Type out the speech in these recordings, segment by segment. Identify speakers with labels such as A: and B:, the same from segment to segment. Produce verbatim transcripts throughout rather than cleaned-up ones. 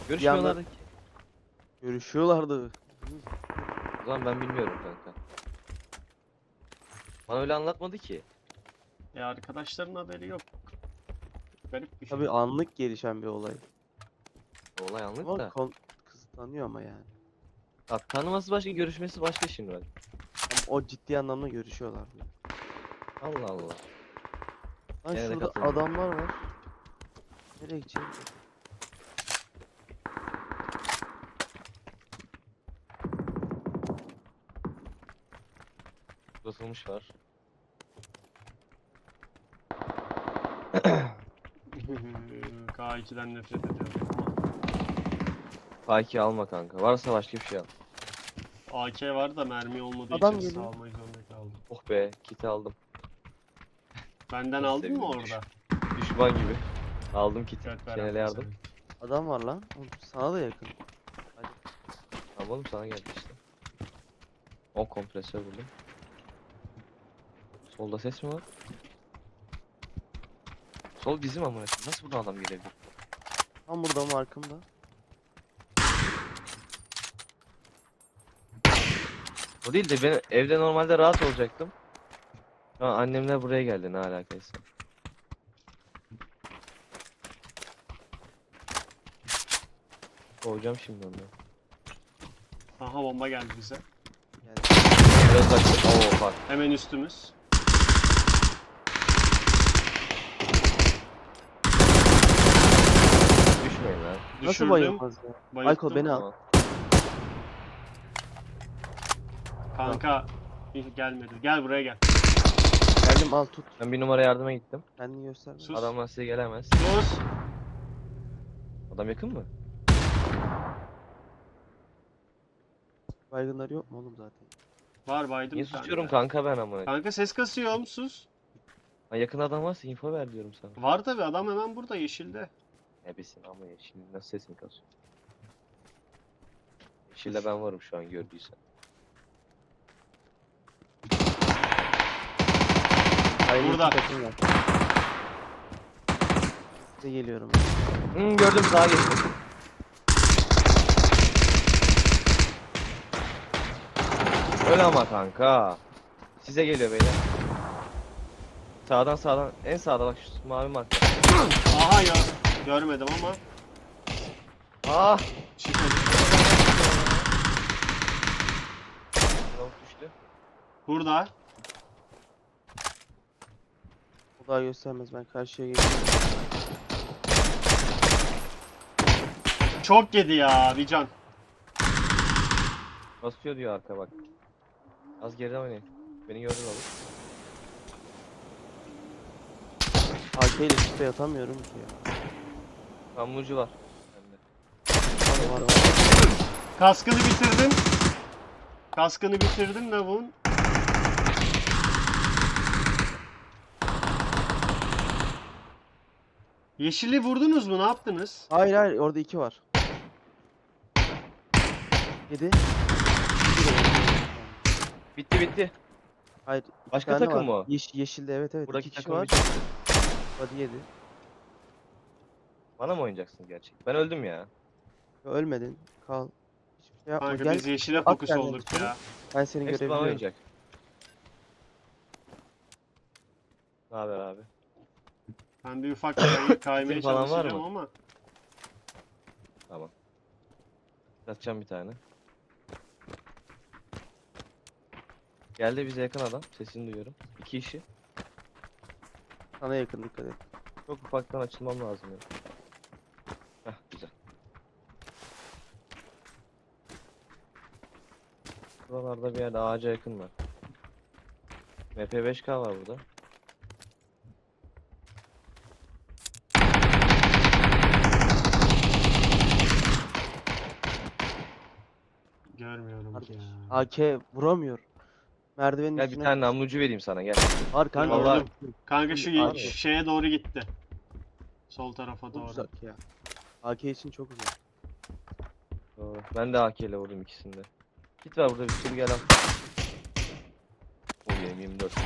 A: Görüşmüyorlardı ki.
B: Görüşüyorlardı.
A: O zaman ben bilmiyorum kanka. Bana öyle anlatmadı ki.
C: E arkadaşların haberi yok. Garip bir şey.
B: Tabii anlık gelişen bir olay.
A: Olay anlık
B: Ama
A: da.
B: kon- kız tanıyor ama yani.
A: Ya, tanıması başka, görüşmesi başka şimdi bak.
B: Ama o ciddi anlamda görüşüyorlar.
A: Allah Allah.
B: Lan
A: Gene de
B: şurada
A: katıldım.
B: adamlar var. Nereye gideceğim?
A: Uzatılmış var.
C: K iki'den nefret ediyorum ama.
A: K iki alma kanka. Varsa başka bir şey al.
C: A K var da mermi olmadığı
B: Adam
C: için
B: geliyor.
C: salmak zorunda kaldım.
A: Oh be, kiti aldım.
C: Benden
A: Nasıl
C: aldın mı
A: sevindim,
C: orada?
A: Düşman gibi. Aldım kiti.
C: Evet,
A: Şenel'e
C: beraber
A: yardım.
C: sevindim.
B: Adam var lan. Oğlum, sana da yakın.
A: Tamam oğlum, sana geldi işte. on kompresör buldum. Solda ses mi var? Sol bizim amına koyayım. Nasıl buradan adam gelebilir?
B: Tam burada markımda.
A: O değil de ben evde normalde rahat olacaktım. Ha, annemler buraya geldi, ne alakaysa. Kovacağım şimdi onları.
C: Aha, bomba geldi bize.
B: Yani
A: Biraz açtım. Oo bak.
C: Hemen üstümüz.
A: Düşmeyin lan.
B: nasıl
C: Düşürdüm.
B: bayılmaz ya?
C: Bayılttım.
B: Michael beni al.
A: Tamam.
C: Kanka gelmedi. Gel buraya gel.
B: Geldim al tut.
A: Ben bir numara yardıma gittim.
B: Kendini gösterme.
C: Sus.
A: Adamlar size gelemez.
C: Sus.
A: Adam yakın mı?
B: Baygınları yok mu oğlum zaten?
C: Var baydım
A: Niye
C: bir tane
A: susuyorum
C: de.
A: kanka ben amına?
C: Kanka ses kasıyorum, sus.
A: Ha, yakın adam varsa info ver diyorum sana.
C: Var tabi, adam hemen burada yeşilde.
A: Ebesin ama ya, şimdi nasıl sesini kasıyor? Yeşilde ben varım şu an, gördüysen.
B: Aynı
C: Burada.
B: iki takım var. Size geliyorum.
A: Hmm, gördüm, sağa geçtim. Öyle ama kanka. Size geliyor beyler. Sağdan sağdan, en sağda bak şu mavi marka.
C: Aha ya. Görmedim ama.
A: Ah!
C: Çıkmadı.
A: Tavuk düştü.
C: Burada.
B: O daha göstermez, ben karşıya geliyorum.
C: Çok yedi ya bir can.
A: Basıyor diyor arka bak. Az geriden oynayın. Beni gördün oğlum.
B: A K ile sprey atamıyorum ki ya.
A: Kamburcu var. Bende.
B: Var var var.
C: Kaskını bitirdim. Kaskını bitirdim lavuğun. Yeşili vurdunuz mu? Ne yaptınız?
B: Hayır hayır, orada iki var. Yedi.
A: Bitti bitti.
B: Hayır. iki
A: Başka
B: tane
A: takım
B: var.
A: mı?
B: Yeş yeşilde, evet evet.
A: Buradaki
B: iki kişi
A: takım
B: var.
A: bir çıktı.
B: Hadi yedi.
A: Bana mı oynayacaksın gerçek? Ben öldüm ya.
B: Ya, ölmedin. Kal. Hiçbir şey yapma.
C: Kanka
B: Gel.
C: biz yeşile
B: at
C: fokus
B: kendini
C: olduk
B: içeri.
C: ya.
B: Ben seni
A: Hepsi bana
B: görebiliyorum.
A: oynayacak. Ne haber abi?
C: Ben bir ufak kay kaymaya
A: Kitin falan var
C: çalışacağım
A: mı?
C: ama.
A: Tamam. Atacağım bir tane. Geldi bize yakın adam. Sesini duyuyorum. İki kişi.
B: Sana yakın, dikkat et.
A: Çok ufaktan açılmam lazım ya. Heh, güzel. Buralarda bir yerde ağaca yakın var. M P beş K var burada.
C: Görmüyorum ki ya.
B: A K vuramıyor. Merdivenin
A: Gel bir
B: üstüne.
A: tane namlucu vereyim sana, gel.
B: Var kanka.
A: Vallahi-
B: var.
C: Kanka şu ye-
A: Abi.
C: şeye doğru gitti. Sol tarafa
B: Çok
C: doğru.
B: uzak ya. A K için çok uzak.
A: Doğru. Ben de A K ile vurdum ikisinde. Git var burada bir sürü, gel al. O benim yirmi dört.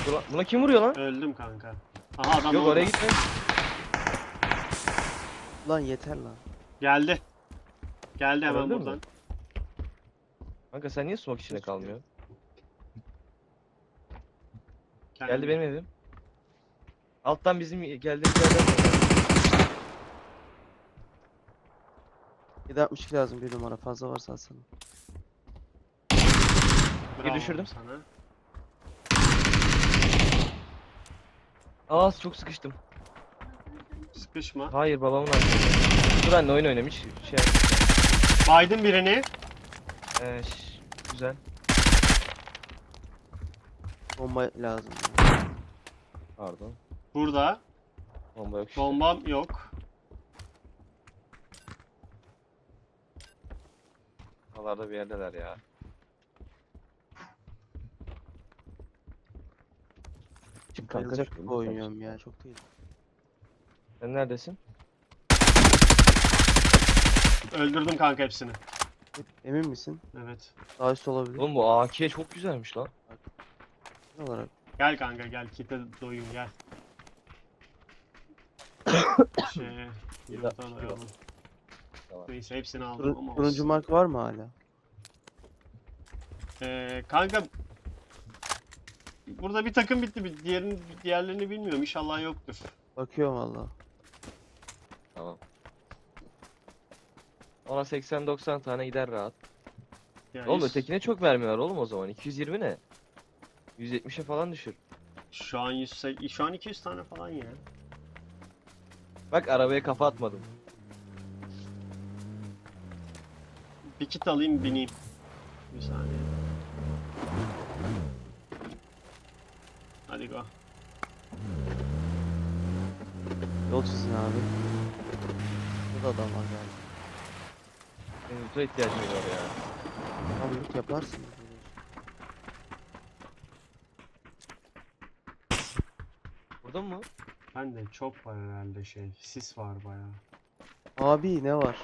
A: Dur lan, buna kim vuruyor lan?
C: Öldüm kanka. Aha adam
A: Yok
C: orada.
A: oraya gitme.
B: Lan yeter lan.
C: Geldi. Geldi hemen
A: Öldün mü?
C: buradan.
A: Kanka sen niye smoke içinde kalmıyorsun?
C: Geldi.
A: Geldi benim evim. Alttan bizim geldiğimiz yerden.
B: yedi altmış iki lazım bir numara. Fazla varsa alsana.
C: Bravo
A: düşürdüm.
C: sana.
A: Aa çok sıkıştım.
C: Sıkışma.
A: Hayır babamın arkasında. Dur anne oyun oynamış. Şey.
C: Baydın birini.
A: Ee, ş- güzel.
B: Bomba lazım.
A: Pardon.
C: Burada.
A: Bomba yok işte.
C: Bombam yok.
A: Buralarda bir yerdeler ya. Çık kanka
B: Bayılacak
A: çık.
B: gibi oynuyorum ya. Çok değil.
A: Sen neredesin?
C: Öldürdüm kanka hepsini.
B: Emin misin?
C: Evet.
B: Daha üst olabilir.
A: Oğlum bu A K çok güzelmiş lan.
B: Ne olarak?
C: Gel kanka gel. Kite doyun gel. şey, yumurta doyalım.
A: Tamam.
C: Neyse hepsini aldım
B: Turun,
C: ama
B: turuncu
C: olsun.
B: mark var mı hala?
C: Ee, kanka burada bir takım bitti. Bir diğerini, diğerlerini bilmiyorum. İnşallah yoktur.
B: Bakıyorum valla.
A: Tamam. Ona seksen doksan tane gider rahat.
C: Yani
A: Oğlum ötekine çok mermi var oğlum o zaman. iki yüz yirmi ne? yüz yetmişe falan düşür.
C: Şu an yüz, şu an iki yüz tane falan ya.
A: Bak arabaya kafa atmadım.
C: Bir kit alayım bineyim. Bir saniye. Hadi go.
B: Yol çizin abi. Burada adam var galiba.
A: Senin loot'a ihtiyacın var ya.
B: Abi loot yaparsın.
A: Burada mı?
C: Ben de çok var herhalde şey. Sis var bayağı.
B: Abi ne var?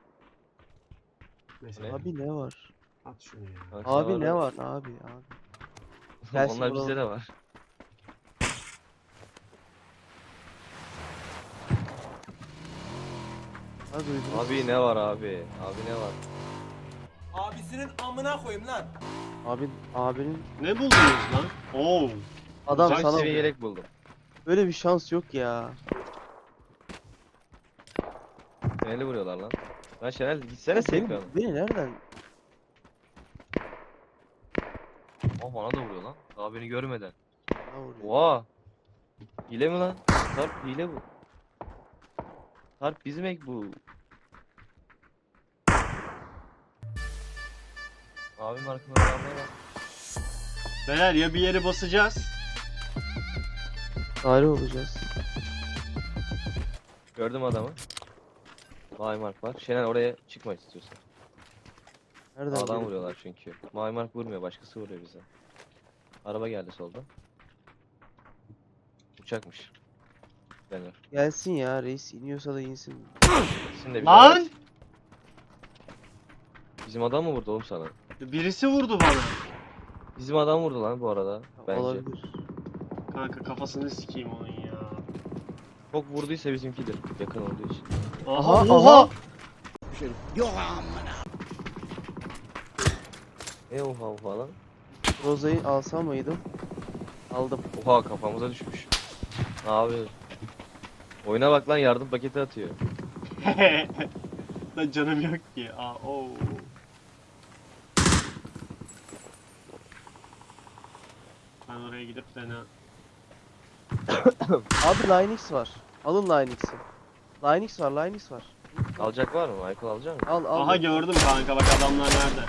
C: Mesela
A: Ne?
B: Abi ne var?
C: at şunu ya.
A: Kanka
B: Abi
A: sana
B: ne
A: da-
B: var? Abi abi. Gelsin
A: Onlar
B: bulalım.
A: bizde de var.
B: Ha duydunuz.
A: Abi ne var abi? Abi ne var?
D: Abisinin amına koyayım lan.
B: Abi abinin
C: Ne buldunuz lan? Oo.
B: adam
C: Uzak
B: sana
A: Seviye yelek buldum.
B: böyle bir şans yok ya.
A: Şenel'i vuruyorlar lan. Lan Şenel gitsene safe
B: Beni,
A: yanı.
B: beni nereden?
A: Oh bana da vuruyor lan. Daha beni görmeden.
B: Ne vuruyor?
A: Oha. Hile mi lan? Sarp hile bu. Sarp bizim ek bu. Abim arkamda adamlar var.
C: Beyler ya bir yere basacağız.
B: Tarih olacağız.
A: Gördüm adamı. Mavi mark var. Şenel oraya çıkma istiyorsan.
B: Nereden
A: Sağdan
B: geliyor?
A: vuruyorlar çünkü. Mavi mark vurmuyor, başkası vuruyor bize. Araba geldi soldan. Uçakmış. Denir.
B: Gelsin ya reis iniyorsa da insin.
A: İkisini de bir
C: Lan!
A: araç. Bizim adam mı vurdu oğlum sana?
C: Birisi vurdu bana.
A: Bizim adam vurdu lan bu arada. Bence.
B: Olabilir.
C: Kanka kafasını sikeyim onun ya.
A: Çok vurduysa bizimkidir. Yakın olduğu için.
C: Aha
B: Aha,
C: oha!
B: aha.
A: E oha oha lan.
B: Roza'yı alsam mıydım? Aldım.
A: Oha kafamıza düşmüş. Abi. Oyuna bak lan yardım paketi atıyor.
C: Lan canım yok ki. Aa, oo. Ben oraya gidip de ne?
B: Abi Linux var. Alın Linux'i. Linux var, Linux var.
A: Alacak var mı? Michael alacak mı?
B: Al al.
C: Aha gördüm kanka bak adamlar nerede?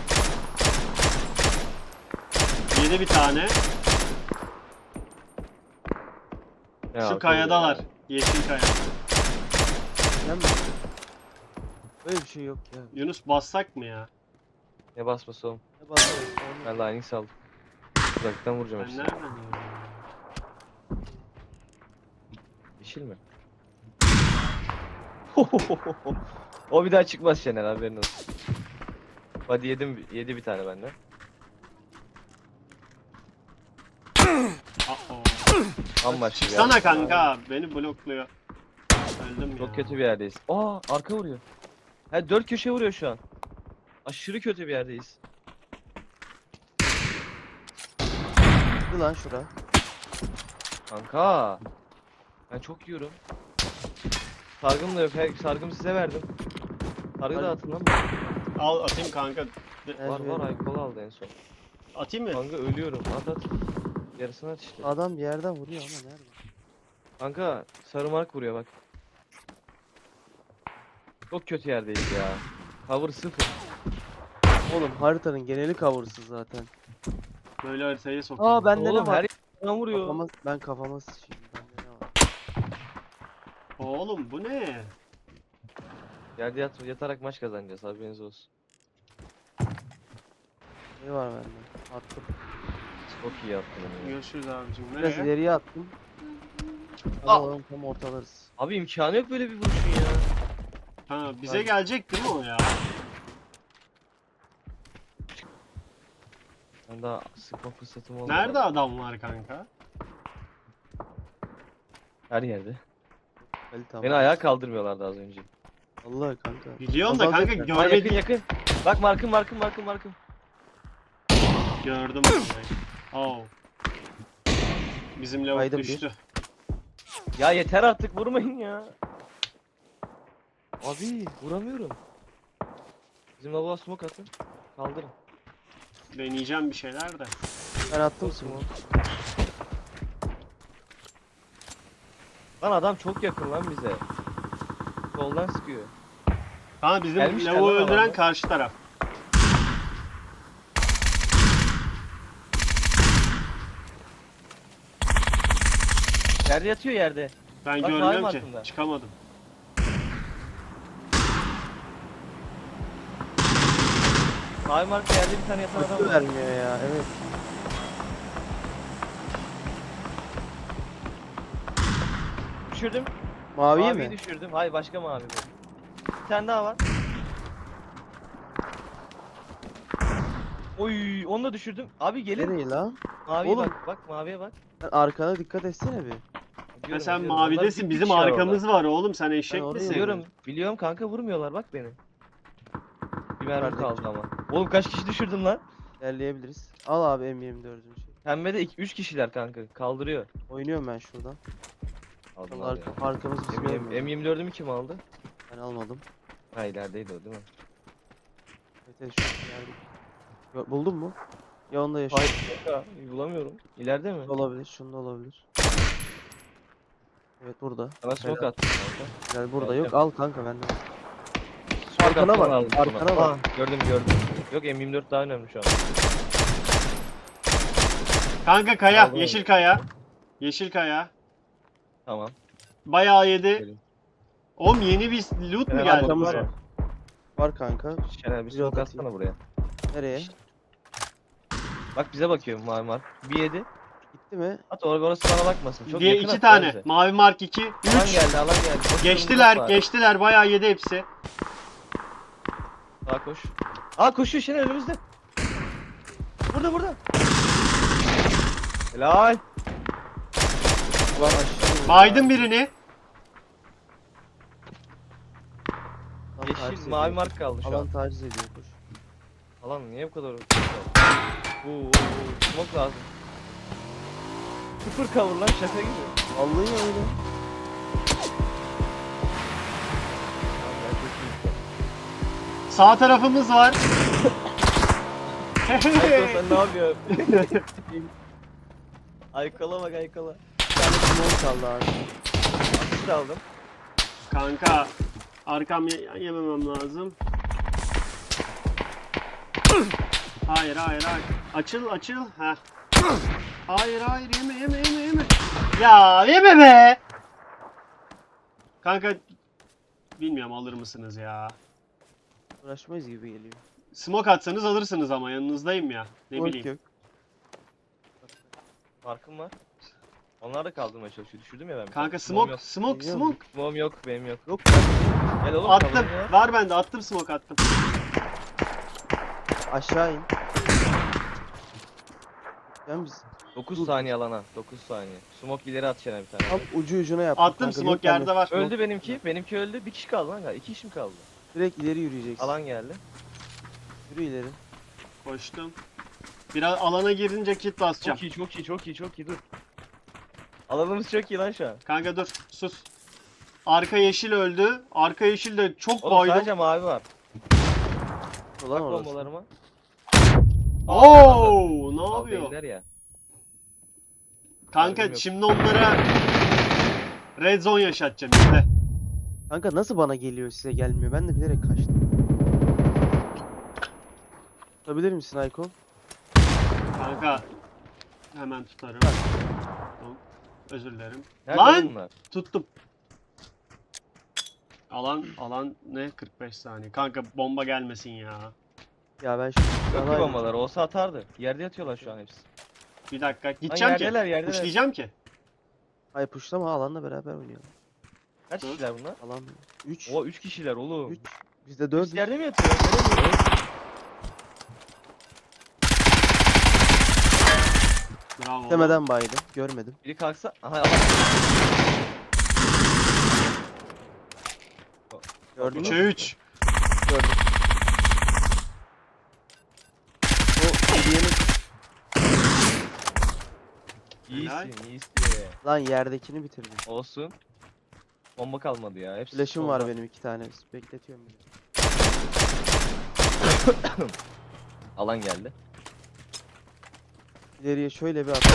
C: Yedi bir tane.
A: Ne
C: Şu
A: akıl
C: kayadalar.
A: ya.
C: Yeşil kaya.
B: Sen mi? Böyle bir şey yok ya.
C: Yunus bassak mı ya?
A: Ne basması oğlum?
B: Ne bakarız?
A: Ben Linux aldım. Uzaktan vuracağım
C: Ben
A: hepsini.
C: nereden gördüm?
A: Yeşil mi? O bir daha çıkmaz Şener haberin olsun. Hadi yedim yedi bir tane benden.
C: Uh-oh.
A: Bambaşka bir
C: Çıksana
A: yer.
C: kanka. Beni blokluyor. Öldüm ya.
A: Çok kötü bir yerdeyiz. Aa arka vuruyor. Ha dört köşe vuruyor şu an. Aşırı kötü bir yerdeyiz.
B: Dur lan şura.
A: Kanka. Ben çok yiyorum. Sargım da yok. Her sargım size verdim. Sargı da atın lan.
C: Al atayım kanka.
B: Evet,
A: Var var
B: evet.
A: alkol aldı en son.
C: Atayım mı?
A: Kanka ölüyorum. At at. Yarısını at işte.
B: Adam bir yerden vuruyor ama nerede?
A: Kanka sarı mark vuruyor bak. Çok kötü yerdeyiz ya. Cover sıfır.
B: Oğlum haritanın geneli cover'sız zaten.
C: Böyle haritayı sokuyorum.
B: Aa bende
A: Oğlum
B: ne var?
A: her yerden vuruyor.
B: Kafama, ben kafama sıçayım. Bende ne var?
C: Oğlum bu ne?
A: Yerde yat, yatarak maç kazanacağız haberiniz olsun.
B: Ne var bende? Attım.
A: Çok iyi yaptın onu ya.
C: Görüşürüz abicim.
B: Biraz
C: Nereye?
B: ileriye attım.
A: Aa!
B: Alalım tam ortalarız.
A: Abi imkanı yok böyle bir vuruşun ya.
C: Ha bize
B: Ben-
C: gelecek değil mi o ya?
A: Ben daha sıkma fırsatım olmadı.
C: Nerede adam var kanka?
A: Her yerde.
B: Kalite ama.
A: Beni ayağa kaldırmıyorlardı az önce.
B: Allah kanka.
C: Biliyorum da
B: Azalacak
C: kanka
B: yani.
A: Aa, yakın
C: görmedim.
A: yakın. Bak markım markım markım markım.
C: Gördüm vallahi. Oh. Bizim lavuk
B: Kaydım bir.
C: düştü.
A: Ya yeter artık vurmayın ya. Abi vuramıyorum. Bizim lavuğa smoke atın. Kaldırın.
C: Deneyeceğim bir şeyler de.
B: Ben attım
A: Olsun
B: smoke.
A: Lan adam çok yakın lan bize. Soldan sıkıyor.
C: Ha bizim
A: Gelmişler
C: lavuğu
A: lan
C: öldüren
A: adamlar.
C: karşı taraf.
A: Yerde yatıyor yerde.
C: Ben
A: Bak,
C: görmüyorum
A: mavi
C: ki.
A: markında.
C: Çıkamadım.
A: Mavi marka yerde bir tane yatan adam
B: Kötü
A: var.
B: vermiyor ya. Evet.
A: Düşürdüm.
B: Maviyi
A: Maviyi
B: mi?
A: düşürdüm. Hayır başka mavi bu. Bir tane daha var. Oy onu da düşürdüm. Abi gelin.
B: Nereye lan?
A: Maviye
B: Oğlum.
A: bak. Bak maviye bak.
B: Sen arkana dikkat etsene bir.
C: Ya
A: Biliyorum,
C: sen
A: biliyorum. Onlar
C: mavidesin.
A: bir
C: Bizim
A: kişi var
C: arkamız var oğlum. Sen eşek
B: oraya
C: misin?
A: orada. Biliyorum. Biliyorum kanka vurmuyorlar bak beni. Bir mermi
B: Kardeşim.
A: kaldı ama. Oğlum kaç kişi düşürdüm lan?
B: İlerleyebiliriz. Al abi M yirmi dördün şey.
A: Pembede üç kişiler kanka. Kaldırıyor.
B: Oynuyorum ben şuradan.
A: Aldılar
B: Arka,
A: ya.
B: arkamız bizim
A: M
B: görmüyor.
A: M yirmi dördümü kim aldı?
B: Ben almadım.
A: Ha ilerideydi o değil mi?
B: Evet, evet şu ileride. Yo- Buldun mu? Ya onda yaşıyor.
A: Hayır kanka. Bulamıyorum. İleride mi?
B: Olabilir. Şunda olabilir. Evet burada.
A: Sana smoke
B: Helal.
A: attım kanka.
B: Gel burada
A: Evet,
B: yok. Al kanka bende.
A: Smoke
B: Arkana
A: attım,
B: bak,
A: aldım
B: arkana
A: sonra.
B: bak.
A: Aa, gördüm gördüm. Yok M yirmi dört daha önemli şu an.
C: Kanka kaya.
A: Aldım.
C: Yeşil kaya. Yeşil kaya.
A: Tamam.
C: Bayağı yedi.
A: Gelin.
C: Oğlum yeni bir loot mu
A: Şener
C: geldi?
A: arkamız
B: var.
A: var.
B: Var kanka.
A: Şener bir
B: Bir
A: smoke
B: atayım.
A: atsana buraya.
B: Nereye?
A: Bak bize bakıyor mavi mark. Bir yedi.
B: Gitti mi?
A: At or orası bana bakmasın. Çok
C: Diye
A: yakın
C: iki
A: at
C: tane.
A: bence.
C: Mavi mark iki.
A: Alan
C: Üç.
A: geldi alan geldi. Koş,
C: Geçtiler.
A: var.
C: Geçtiler. Bayağı yedi hepsi.
A: Sağa koş. Aa koşuyor Şener önümüzde. Burada burada. Helal.
B: Ulan aşağı.
C: Baydım birini.
B: Alan taciz
A: Yeşil
B: ediyor.
A: mavi mark kaldı şu
B: Alan
A: an.
B: taciz ediyor koş.
A: Alan niye bu kadar? Oo, oo, oo. Smoke lazım. Sıfır cover lan şaka gibi.
B: Vallahi öyle.
A: Tamam, ben çok iyiyim.
C: Sağ tarafımız var.
A: Aykala sen ne yapıyorsun? Aykala bak Aykala.
B: Bir tane smoke kaldı abi.
A: Atış da aldım.
C: Kanka. Arkam ye- yememem lazım. Hayır hayır hayır. Açıl açıl. Heh. Hayır hayır yeme yeme yeme yeme. Ya yeme be. Kanka. Bilmiyorum alır mısınız ya.
B: Uğraşmayız gibi geliyor.
C: Smoke atsanız alırsınız ama yanınızdayım ya. Ne
B: Yok
C: bileyim.
B: yok.
A: Markım var. Onlar da kaldırmaya çalışıyor. Düşürdüm ya ben. bir
C: Kanka
A: tane.
C: smoke
A: yok.
C: smoke
B: Biliyorum.
C: smoke.
A: Smoke'um yok benim yok.
B: Yok.
A: Gel oğlum
C: Attım.
A: cover'ım ya.
C: Var bende attım smoke attım.
B: Aşağı in. Yani biz
A: dokuz saniye alana. dokuz saniye. Smoke ileri atacaksın bir tane.
B: tam ucu ucuna yaptık.
C: Attım
B: kanka.
C: smoke
B: Yok bende.
C: yerde var.
A: Öldü benimki. Benimki öldü. Bir kişi kaldı lan galiba. İki kişi mi kaldı?
B: Direkt ileri yürüyeceksin.
A: Alan geldi.
B: Yürü ileri.
C: Koştum. Biraz alana girince kit basacağım.
A: Çok iyi, çok iyi, çok iyi, çok iyi. Dur. Alanımız çok iyi lan şu an.
C: Kanka dur sus. Arka yeşil öldü. Arka yeşil de çok
A: Oğlum
C: baydım.
A: sadece mavi var.
B: Ulan
A: Bak
B: orası.
A: bombalarıma.
C: Oo, ne
A: Al
C: yapıyor?
A: değiller ya.
C: Kanka
A: Haberim yok.
C: şimdi onlara red zone yaşatacağım işte.
B: Kanka nasıl bana geliyor size gelmiyor? Ben de bilerek kaçtım. Tutabilir misin Ayko?
C: Kanka hemen tutarım. Tamam. Özür dilerim.
A: Nerede
C: Lan!
A: oğlum bunlar?
C: Tuttum. Alan alan ne? kırk beş saniye. Kanka bomba gelmesin ya.
B: Ya ben şu
A: Çok iyi
B: Yalan-
A: bombalar. Olsa atardı. Yerde yatıyorlar şu an hepsi.
C: Bir dakika
A: Lan
C: gideceğim ki.
A: yerdeler, yerdeler.
C: Uçlayacağım ki.
B: Ay puşlama alanla beraber oynayalım.
A: Kaç
C: Hı?
A: kişiler bunlar?
B: Alan üç.
A: O üç kişiler oğlum.
B: üç. Bizde dört.
A: Biz yerde mi yatıyor? Nereye mi yatıyor?
C: Bravo.
B: Demeden baydı. Görmedim.
A: Biri kalksa. Aha alan.
B: Gördün
C: üçe
B: mü?
C: üç.
B: Gördüm. O hediyenin
C: Helal.
A: İyisin, iyisin.
B: lan yerdekini bitirdim.
A: Olsun. Bomba kalmadı ya. Hepsi
B: Flash'ım var
A: solda.
B: benim iki tane. Bekletiyorum beni.
A: Alan geldi.
B: İleriye şöyle bir at.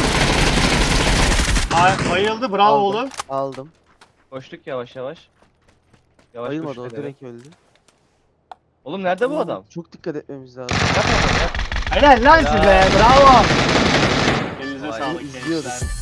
C: Ay, bayıldı bravo
B: Aldım.
C: oğlum.
B: Aldım.
A: Koştuk yavaş yavaş. Yavaş
B: Bayılmadı
A: koştuk
B: o
A: eve.
B: direkt öldü.
A: Oğlum nerede bu adam?
B: Çok dikkat etmemiz lazım.
A: Yap adam yap.
C: Helal lan size
A: Helal.
C: bravo. Elinize
A: Vay,
C: sağlık
B: izliyorduk.
C: gençler.